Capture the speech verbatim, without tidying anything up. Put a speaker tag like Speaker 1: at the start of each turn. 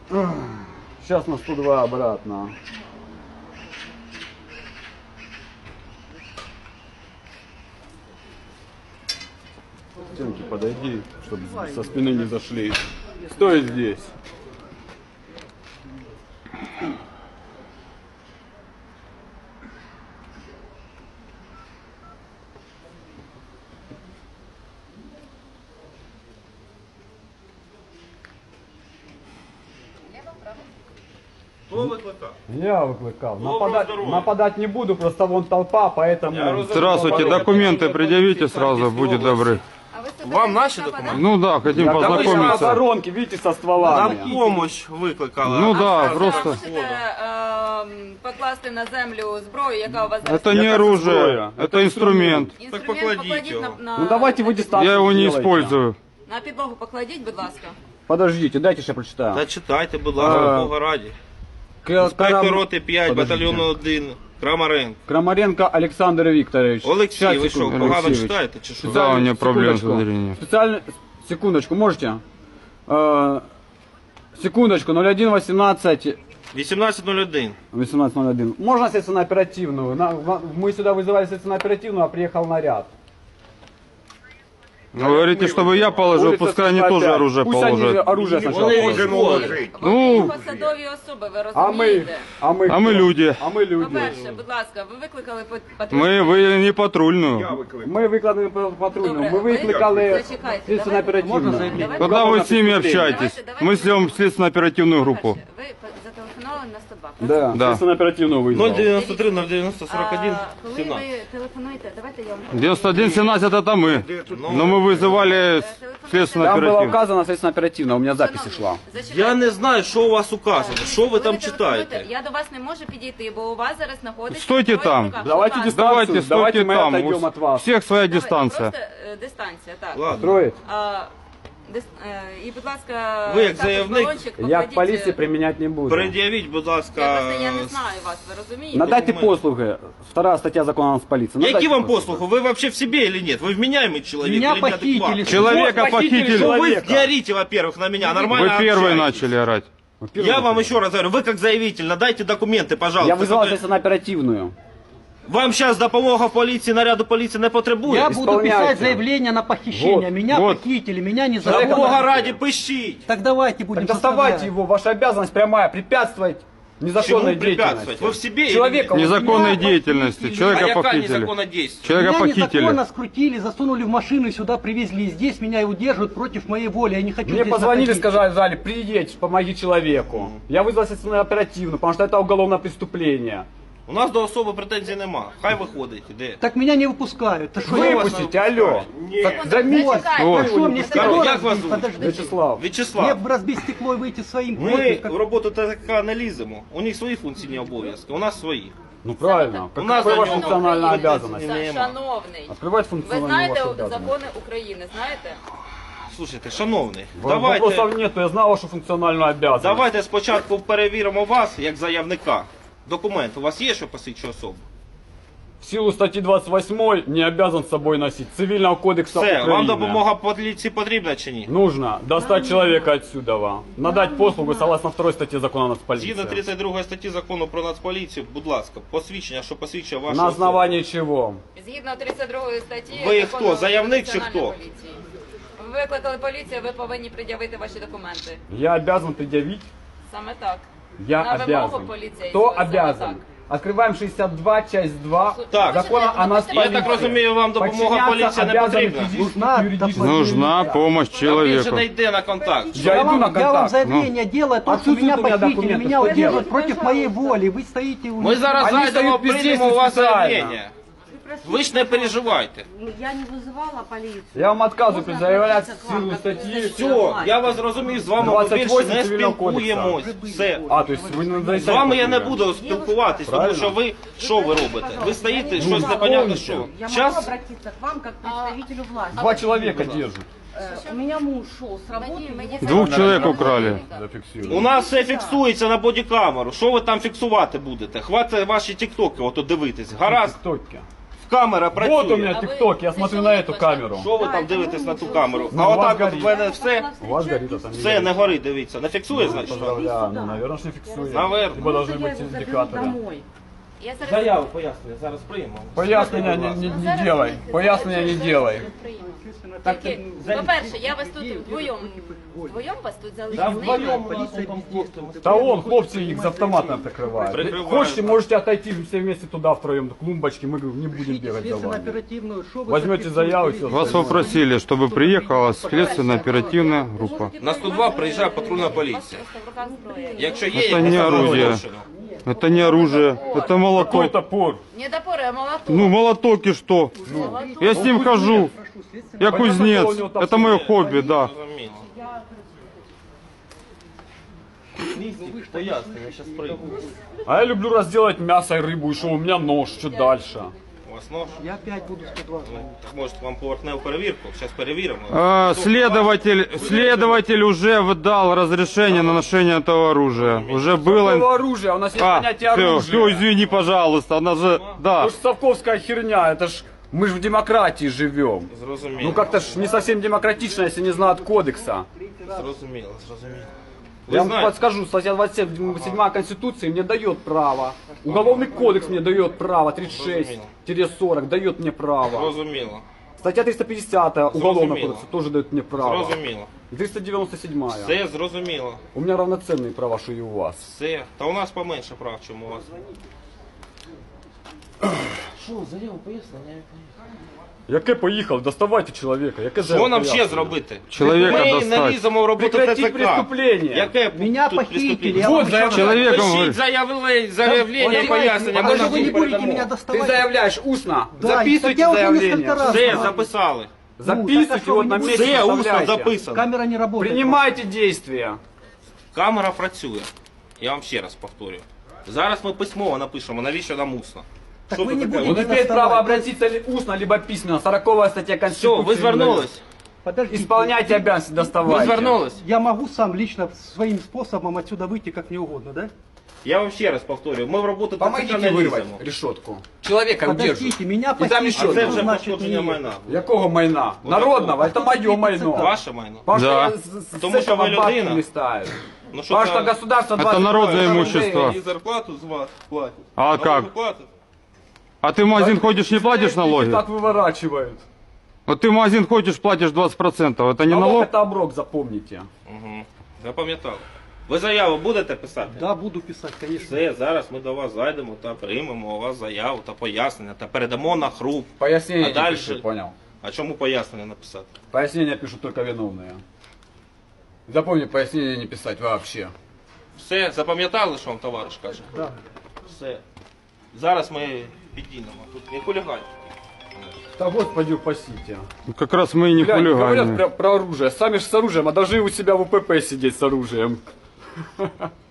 Speaker 1: Сейчас на сто два обратно. Стенки подойди, чтобы со спины не зашли. Стой здесь.
Speaker 2: Хто викликав?
Speaker 1: Я выкликал.
Speaker 2: Доброго
Speaker 1: Нападать,
Speaker 2: здоровья.
Speaker 1: нападать не буду, просто вон толпа, поэтому...
Speaker 3: Здравствуйте, документы предъявите сразу, будьте добры.
Speaker 2: Вам наші документи?
Speaker 3: Ну да, хотим
Speaker 1: Я
Speaker 3: познакомиться.
Speaker 1: воронки, видите, со
Speaker 2: Нам
Speaker 1: стволами.
Speaker 2: помощь викликали.
Speaker 3: Ну да,
Speaker 4: Ви
Speaker 3: просто...
Speaker 4: можете е, покласти на землю зброю, яка у вас зараз?
Speaker 3: Это не
Speaker 1: Я
Speaker 3: оружие,
Speaker 1: зброя.
Speaker 3: это инструмент.
Speaker 2: Так
Speaker 4: Інструмент
Speaker 2: покладіть
Speaker 4: покладіть
Speaker 2: його.
Speaker 4: на, на,
Speaker 1: Ну давайте вы дистанцию
Speaker 3: Я его не
Speaker 1: сделайте.
Speaker 3: использую.
Speaker 4: на підлогу покладіть, будь ласка.
Speaker 1: Подождите, дайте я прочитаю.
Speaker 2: Та читайте, будь ласка,
Speaker 1: А,
Speaker 2: Бога раді.
Speaker 1: К-
Speaker 2: Інспектор
Speaker 1: Крам-
Speaker 2: роти п'ять,
Speaker 1: Подождите.
Speaker 2: батальйону один, Крамаренко.
Speaker 1: Крамаренко Александр Викторович.
Speaker 2: Олексій,
Speaker 1: Щас,
Speaker 2: ви що,
Speaker 1: секунду,
Speaker 2: погано
Speaker 1: Алексеевич.
Speaker 2: читаєте чи що?
Speaker 3: Да, у меня проблемы с
Speaker 1: Секундочку.
Speaker 3: зрением.
Speaker 1: Специально... Секундочку, можете? Э, секундочку, ноль один восемнадцать...
Speaker 2: вісімнадцять нуль один.
Speaker 1: восемнадцать ноль один. Можно следственно-оперативную? На- в- Мы сюда вызывали следственно-оперативную, а приехал наряд.
Speaker 3: Вы говорите, чтобы я положил,
Speaker 1: Улица
Speaker 3: пускай они
Speaker 1: сто
Speaker 3: тоже
Speaker 1: пять.
Speaker 3: оружие
Speaker 1: Пусть они
Speaker 3: положат.
Speaker 1: оружие сначала
Speaker 2: Вони
Speaker 1: положат.
Speaker 2: можуть.
Speaker 3: Ну,
Speaker 4: Вони посадові особи, ви
Speaker 1: А мы,
Speaker 4: розумієте?
Speaker 1: а мы,
Speaker 3: а мы люди.
Speaker 1: а мы люди.
Speaker 4: По-перше, будь ласка, ви викликали пат- патрульну?
Speaker 3: Мы, вы не патрульную.
Speaker 1: Мы викликали патрульну,
Speaker 4: Добре,
Speaker 1: ми
Speaker 4: ви
Speaker 1: викликали
Speaker 4: зачекайте,
Speaker 1: следственно-оперативну.
Speaker 4: Давайте-
Speaker 3: Когда вы с ними общаетесь? Мы съем следственно-оперативную группу.
Speaker 4: По-перше, ви по- зателефонували на сто два, правда?
Speaker 1: Да,
Speaker 3: Да.
Speaker 1: следственно-оперативную
Speaker 2: нуль
Speaker 1: вызвал.
Speaker 2: дев'яносто три нуль дев'яносто сорок один
Speaker 4: А, коли
Speaker 2: сімнадцять.
Speaker 4: ви телефонуєте, давайте я вам...
Speaker 3: девяносто один семнадцать это мы. Но мы вызывали
Speaker 1: Там было
Speaker 3: следственно-оперативную.
Speaker 1: указано следственно-оперативно, у меня запись
Speaker 4: Шановні,
Speaker 1: шла.
Speaker 4: зачекайте.
Speaker 2: Я не знаю, що у вас указано, що ви
Speaker 4: Коли
Speaker 2: там
Speaker 4: телефонуєте,
Speaker 2: читаєте.
Speaker 4: Я до вас не можу підійти, бо у вас зараз знаходиться...
Speaker 3: Стойте
Speaker 4: зброя в
Speaker 3: там.
Speaker 4: руках.
Speaker 1: Давайте
Speaker 4: Будь ласка.
Speaker 1: дистанцию.
Speaker 3: Давайте,
Speaker 1: Давайте
Speaker 3: стойте
Speaker 1: мы
Speaker 3: там.
Speaker 1: отойдем
Speaker 3: У
Speaker 1: от вас.
Speaker 3: всех своя
Speaker 4: Давай,
Speaker 3: дистанция.
Speaker 4: Просто е, дистанція, так.
Speaker 2: Ладно.
Speaker 1: Строить?
Speaker 4: А, дис, е, і, будь ласка,
Speaker 2: Ви як
Speaker 4: також
Speaker 2: заявник,
Speaker 4: балончик
Speaker 1: Я к
Speaker 4: покладіть,
Speaker 1: полиции
Speaker 4: е,
Speaker 1: применять не буду.
Speaker 2: Пред'явіть, будь
Speaker 4: Я
Speaker 2: ласка.
Speaker 4: просто я не знаю вас, ви розумієте?
Speaker 1: Надайте
Speaker 2: документы.
Speaker 1: послуги. Вторая статья закона о полиции. Надайте
Speaker 2: Які вам
Speaker 1: послуги.
Speaker 2: послуги? Вы вообще в себе или нет? Вы вменяемый человек
Speaker 5: Меня
Speaker 2: или
Speaker 5: похитили.
Speaker 2: неадекватный?
Speaker 3: Человека
Speaker 1: Вот похитили
Speaker 3: похитили.
Speaker 2: Ну вы
Speaker 1: человека.
Speaker 2: не орите, во-первых, на меня, нормально
Speaker 3: Вы первые
Speaker 2: общайтесь.
Speaker 3: начали орать.
Speaker 1: Во-первых,
Speaker 2: Я вам еще раз говорю, вы как заявитель, надайте документы, пожалуйста.
Speaker 1: Я вызвал
Speaker 2: которые-
Speaker 1: следственно-оперативную.
Speaker 2: Вам сейчас допомога в полиции, наряду полиции не потребує?
Speaker 5: Я буду
Speaker 1: Исполняйте.
Speaker 5: писать заявление на похищение.
Speaker 1: Вот,
Speaker 5: меня
Speaker 3: вот.
Speaker 5: похитили, меня не
Speaker 2: За Бога
Speaker 5: законно.
Speaker 2: ради, пишіть.
Speaker 5: Так давайте будем
Speaker 1: Так доставайте
Speaker 5: составлять.
Speaker 1: его, ваша обязанность прямая, препятствовать незаконной
Speaker 2: Чему препятствовать?
Speaker 1: деятельности.
Speaker 2: Вы в себе или
Speaker 1: Человека
Speaker 2: нет?
Speaker 3: Незаконной
Speaker 5: меня
Speaker 3: деятельности.
Speaker 5: похитили.
Speaker 2: А
Speaker 3: Человека
Speaker 2: яка
Speaker 3: похитили.
Speaker 2: незаконна дійсність?
Speaker 3: Человека
Speaker 5: Меня
Speaker 3: похитили.
Speaker 5: незаконно скрутили, засунули в машину и сюда привезли. И здесь меня и удерживают против моей воли. Я не хочу
Speaker 1: Мне
Speaker 5: здесь
Speaker 1: позвонили,
Speaker 5: находиться.
Speaker 1: сказали, приедь, помоги человеку. Я вызвал следственно-оперативную, потому что это уголовное преступление.
Speaker 2: У нас до особи претензій нема. Хай виходить, іде.
Speaker 5: Так меня не выпускают. Так что я вас...
Speaker 1: Выпустите, алло.
Speaker 2: Ні.
Speaker 1: Так заметьте.
Speaker 4: Зачекайте.
Speaker 3: Ой.
Speaker 5: Так что, мне стекло
Speaker 2: Як вас
Speaker 5: разбить?
Speaker 2: зовут?
Speaker 5: Подождите.
Speaker 1: Вячеслав.
Speaker 5: Мне
Speaker 2: Вячеслав,
Speaker 5: бы разбить стекло и выйти своим
Speaker 2: ми
Speaker 5: ходом, как-
Speaker 2: в роботу ТК не ліземо. У них свої функційні обов'язки, у нас свої.
Speaker 1: Ну правильно.
Speaker 2: У нас
Speaker 1: Какая
Speaker 2: за
Speaker 1: ваша
Speaker 2: него
Speaker 1: функциональная
Speaker 2: України
Speaker 1: обязанность?
Speaker 2: не- нема.
Speaker 4: Шановний,
Speaker 1: Открывать
Speaker 4: ви
Speaker 1: функциональную
Speaker 4: знаєте
Speaker 1: вашу обязанность.
Speaker 4: закони України, знаєте?
Speaker 2: Слушайте, шановний,
Speaker 1: Вопросов
Speaker 2: давайте,
Speaker 1: нету, я знал вашу функциональную обязанность.
Speaker 2: давайте спочатку перевіримо вас, як заявника. Документ у вас є, що посвідчує особу?
Speaker 1: В силу статьи двадцать восьмой не обязан с собой носить. Цивильного кодекса
Speaker 2: Все,
Speaker 1: Украины.
Speaker 2: вам допомога поліції потрібна чи ні?
Speaker 1: Нужно достать человека отсюда. Вам. Надать послугу согласно второй статье закона о нацполиции.
Speaker 2: Згідно тридцять другої статті закону про нацполіцію, будь ласка, посвідчення, що посвідчує вашу
Speaker 1: На
Speaker 2: особу.
Speaker 1: основании чего?
Speaker 4: Згідно тридцять другої статті...
Speaker 2: Ви
Speaker 4: закону
Speaker 2: хто, заявник чи
Speaker 4: Національної
Speaker 2: хто?
Speaker 4: поліції. Ви викликали поліцію, ви повинні пред'явити ваші документи.
Speaker 1: Я обязан предъявить?
Speaker 4: Саме так.
Speaker 1: Я
Speaker 4: На вимогу
Speaker 1: обязан.
Speaker 4: поліцейського,
Speaker 1: Кто
Speaker 4: саме
Speaker 1: обязан?
Speaker 4: так.
Speaker 1: Открываем шестьдесят два, часть два
Speaker 2: Так.
Speaker 1: закона о
Speaker 4: Я
Speaker 1: нацполиции.
Speaker 2: Я так розумію, вам допомога поліції не потрібна.
Speaker 5: Нужна
Speaker 3: Нужна помощь
Speaker 2: Та більше не
Speaker 3: человеку.
Speaker 2: йде на контакт.
Speaker 1: Я
Speaker 5: Я
Speaker 1: иду
Speaker 5: вам,
Speaker 1: на
Speaker 5: я вам
Speaker 1: контакт.
Speaker 5: заявление делаю, о том, что
Speaker 1: Отсутствует
Speaker 5: меня
Speaker 1: у меня
Speaker 5: похитили,
Speaker 1: документы,
Speaker 5: меня
Speaker 1: что
Speaker 5: удерживают
Speaker 1: делать?
Speaker 5: против моей воли. Вы стоите у
Speaker 2: Ми зараз
Speaker 1: Вони
Speaker 2: зайдемо,
Speaker 1: стоять без
Speaker 2: приймемо у вас
Speaker 1: действий спеціально.
Speaker 2: заявлення. Ви ж не переживайте.
Speaker 6: Я не вызывала полицию.
Speaker 1: Я вам отказываю
Speaker 6: Можно
Speaker 1: предъявлять
Speaker 6: обратиться к
Speaker 1: в силу
Speaker 6: вам, как
Speaker 1: статьи.
Speaker 6: представителю
Speaker 2: Все, я вас зрозумів, з вами ми
Speaker 1: двадцять
Speaker 2: більше
Speaker 1: восемь
Speaker 2: не
Speaker 1: Цивільного
Speaker 2: спілкуємось. Все.
Speaker 1: А, то есть вы не
Speaker 2: З
Speaker 1: надаете
Speaker 2: вами я не
Speaker 1: документы?
Speaker 2: буду спілкуватись, тому
Speaker 1: Правильно.
Speaker 2: що ви що ви робите? Ви стоїте,
Speaker 1: Ну,
Speaker 2: щось непонятно що.
Speaker 6: Я могу
Speaker 2: Зараз
Speaker 6: обратиться к вам как к представителю власти.
Speaker 1: Два человека держат.
Speaker 6: Э, У меня муж шел с работы.
Speaker 4: Ми
Speaker 6: его
Speaker 4: дійсно-
Speaker 3: Двух человек украли.
Speaker 2: у нас все фіксується на бодікамеру. Що ви там фіксувати будете? Хватить ваші тіктоки, ото дивитись. Гаразд.
Speaker 1: Тіктоки.
Speaker 2: камера працює.
Speaker 3: Вот у меня
Speaker 4: А вы-
Speaker 3: тикток, я
Speaker 4: ты
Speaker 3: смотрю
Speaker 4: что
Speaker 3: на
Speaker 4: не
Speaker 3: эту
Speaker 4: хочешь?
Speaker 3: камеру.
Speaker 2: Що ви там дивитесь на ту камеру?
Speaker 3: Ну,
Speaker 2: А
Speaker 3: у вас
Speaker 2: отак от
Speaker 3: горить.
Speaker 2: в мене все,
Speaker 3: У вас горит, а там не
Speaker 2: все
Speaker 3: горит.
Speaker 2: не горить, дивіться. Не фіксує, значить?
Speaker 3: Поздравляю, ну, наверное, что фиксует.
Speaker 2: Наверно.
Speaker 3: Либо должны
Speaker 6: Я
Speaker 3: быть
Speaker 6: его заберу
Speaker 3: индикаторы.
Speaker 6: домой.
Speaker 4: Я зараз...
Speaker 2: Заяву пояснюю, зараз приймемо.
Speaker 3: Пояснения не, не, не делай, пояснения не делай.
Speaker 4: Тільки, по-перше, я вас тут вдвоєм, вдвоєм вас тут
Speaker 2: Да
Speaker 4: залишила.
Speaker 2: вдвоем у нас там хлопці.
Speaker 3: Да он, хлопцы, их с автоматом прикрывают.
Speaker 2: Прикрывают.
Speaker 3: Хочете, можете отойти все вместе туда втроем, до клумбочки, мы говорю, не будем бегать за вами.
Speaker 5: Следственно-оперативную, что вы
Speaker 3: Возьмете
Speaker 5: зафиксируете?
Speaker 3: заяву, все.
Speaker 1: Вас попросили, чтобы приехала следственно-оперативная группа.
Speaker 2: На сто два приїжджає патрульна поліція.
Speaker 4: В руках зброя.
Speaker 2: Якщо є
Speaker 1: Це
Speaker 2: якісь
Speaker 1: не оружие.
Speaker 2: правопорушення.
Speaker 1: Это не оружие, это
Speaker 3: Какой
Speaker 1: молоток.
Speaker 3: топор?
Speaker 4: Не топори, а молоток.
Speaker 1: Ну, молоток и что?
Speaker 4: Молоток.
Speaker 1: Я с ним хожу. Я кузнец. Это мое хобби, да.
Speaker 2: Зрозуміло. Пояснення, зараз прийму.
Speaker 3: А я люблю разделать мясо и рыбу, и что, у меня нож, что дальше?
Speaker 2: У вас нож?
Speaker 5: Я опять буду сто двадцать.
Speaker 2: Ну, так може вам поверхневу перевірку? Зараз перевіримо.
Speaker 1: А, следователь, следователь уже выдал разрешение на ношение этого оружия. Уже
Speaker 3: Какого
Speaker 1: было.
Speaker 3: оружия? У нас есть
Speaker 1: А,
Speaker 3: понятие
Speaker 1: все,
Speaker 3: оружия.
Speaker 1: все, извини, пожалуйста, она же, да.
Speaker 3: Это ж совковская херня, это ж мы же в демократии живем.
Speaker 2: Зрозуміло.
Speaker 3: Ну как-то ж не совсем демократично, если не знают кодекса.
Speaker 2: Зрозуміло, зрозуміло.
Speaker 3: Я
Speaker 2: Ви
Speaker 3: вам
Speaker 2: знаєте,
Speaker 3: подскажу, статья двадцать семь Конституции мне дает право. Уголовный кодекс мне дает право, тридцать шесть сорок дает мне право.
Speaker 2: зрозуміло,
Speaker 3: Статья триста пятьдесят Уголовного
Speaker 2: Зрозуміло.
Speaker 3: кодекса тоже дает мне право.
Speaker 2: зрозуміло.
Speaker 3: триста девяносто седьмая.
Speaker 2: Все зрозуміло.
Speaker 3: У меня равноценные права, что и у вас.
Speaker 2: Все. Та у нас поменше прав, чим у вас. Що, заяву пояснення?
Speaker 3: Яке поїхав? Доставайте чоловіка. Яке
Speaker 2: Що нам ще
Speaker 3: пояснення?
Speaker 2: зробити?
Speaker 1: Чоловіка
Speaker 2: Ми
Speaker 1: достать.
Speaker 2: не ліземо в роботу
Speaker 3: Прекратіть
Speaker 2: ТЦК.
Speaker 3: преступлення.
Speaker 2: Яке
Speaker 5: Меня
Speaker 2: тут
Speaker 5: похитили,
Speaker 2: преступлення?
Speaker 5: я
Speaker 3: Вот
Speaker 5: вам еще
Speaker 3: заявляю.
Speaker 5: раз-
Speaker 1: Человеком
Speaker 2: Пишіть
Speaker 1: говорит.
Speaker 2: заявлення, заявлення,
Speaker 5: Вот
Speaker 2: пояснення.
Speaker 5: давайте,
Speaker 2: Ми
Speaker 5: а
Speaker 2: вам
Speaker 5: вы не будете
Speaker 2: передамо.
Speaker 5: меня
Speaker 3: Ты
Speaker 5: доставать.
Speaker 3: заявляешь устно.
Speaker 5: Да, так
Speaker 3: Записывайте
Speaker 5: я уже
Speaker 3: заявление.
Speaker 5: несколько раз
Speaker 2: Все,
Speaker 5: сказал.
Speaker 2: записали.
Speaker 3: Записывайте
Speaker 5: так а что
Speaker 3: вот
Speaker 5: вы
Speaker 3: на
Speaker 5: не
Speaker 3: месте.
Speaker 2: Все усно
Speaker 3: вставляйте.
Speaker 2: записано.
Speaker 5: Камера не работает.
Speaker 3: Принимайте действия.
Speaker 2: Камера працює. Я вам ще раз повторюю. Зараз ми письмово напишемо, навіщо нам усно.
Speaker 5: Так
Speaker 2: Що
Speaker 5: ви
Speaker 2: тут
Speaker 5: не
Speaker 2: таке?
Speaker 5: будете
Speaker 3: Он
Speaker 2: Вони-
Speaker 3: имеет
Speaker 5: доставать.
Speaker 3: право обратиться ли- устно, либо письменно. сороковая статья
Speaker 2: Все,
Speaker 3: Конституции.
Speaker 2: ви звернулись?
Speaker 5: Подождите.
Speaker 3: Исполняйте обязанности,
Speaker 2: Ви
Speaker 3: доставайте.
Speaker 2: звернулись?
Speaker 5: Я могу сам лично своим способом отсюда выйти как мне угодно, да?
Speaker 2: Я вам ще раз повторюю, ми в роботу ТЦК
Speaker 3: Помогите
Speaker 2: не
Speaker 3: вырвать
Speaker 2: ліземо.
Speaker 3: решетку. Человека удерживают.
Speaker 5: Подождите, меня
Speaker 3: И там еще
Speaker 2: А це
Speaker 5: что
Speaker 2: вже
Speaker 5: значит
Speaker 2: пошкодження
Speaker 5: не-
Speaker 2: майна.
Speaker 3: Якого майна? Народного, это мое майно.
Speaker 2: Ваше майно.
Speaker 3: Потому что
Speaker 1: Да.
Speaker 3: я с- с
Speaker 2: Потому что
Speaker 3: этого
Speaker 2: вы
Speaker 3: бабки
Speaker 2: людина.
Speaker 3: не ставлю.
Speaker 2: Ну що
Speaker 3: Потому что
Speaker 2: це?
Speaker 3: государство
Speaker 1: Это
Speaker 3: двадцать
Speaker 1: народное
Speaker 3: рублей.
Speaker 1: имущество.
Speaker 7: И зарплату з вас платять.
Speaker 1: А
Speaker 7: Налоги
Speaker 1: как?
Speaker 7: платять.
Speaker 1: А ты в магазин ходишь, не платишь налоги?
Speaker 3: Так выворачивают.
Speaker 1: Вот ты в магазин ходишь, платишь двадцать процентов. Это не
Speaker 3: Налог
Speaker 1: налог?
Speaker 3: это оброк, запомните.
Speaker 2: Угу. Запам'ятав. Ви заяву будете писати?
Speaker 5: Да, буду писать, конечно.
Speaker 2: Все, зараз ми до вас зайдемо та приймемо у вас заяву та пояснення та передамо на хруп.
Speaker 3: Пояснение
Speaker 2: А
Speaker 3: не
Speaker 2: дальше?
Speaker 3: пишу, понял.
Speaker 2: А чому пояснення написати?
Speaker 3: Пояснения пишут только виновные. Запомни, пояснения не писать вообще.
Speaker 2: Все, запам'ятали, що вам товариш каже?
Speaker 5: Да.
Speaker 2: Все. Зараз ми підійдемо. Тут не хулігань.
Speaker 3: Да господи упасите.
Speaker 1: Ну, как раз мы и не
Speaker 3: Глянь, говорят
Speaker 1: хулиганы.
Speaker 3: про, про оружие. Сами же с оружием, а должны у себя в УПП сидеть с оружием.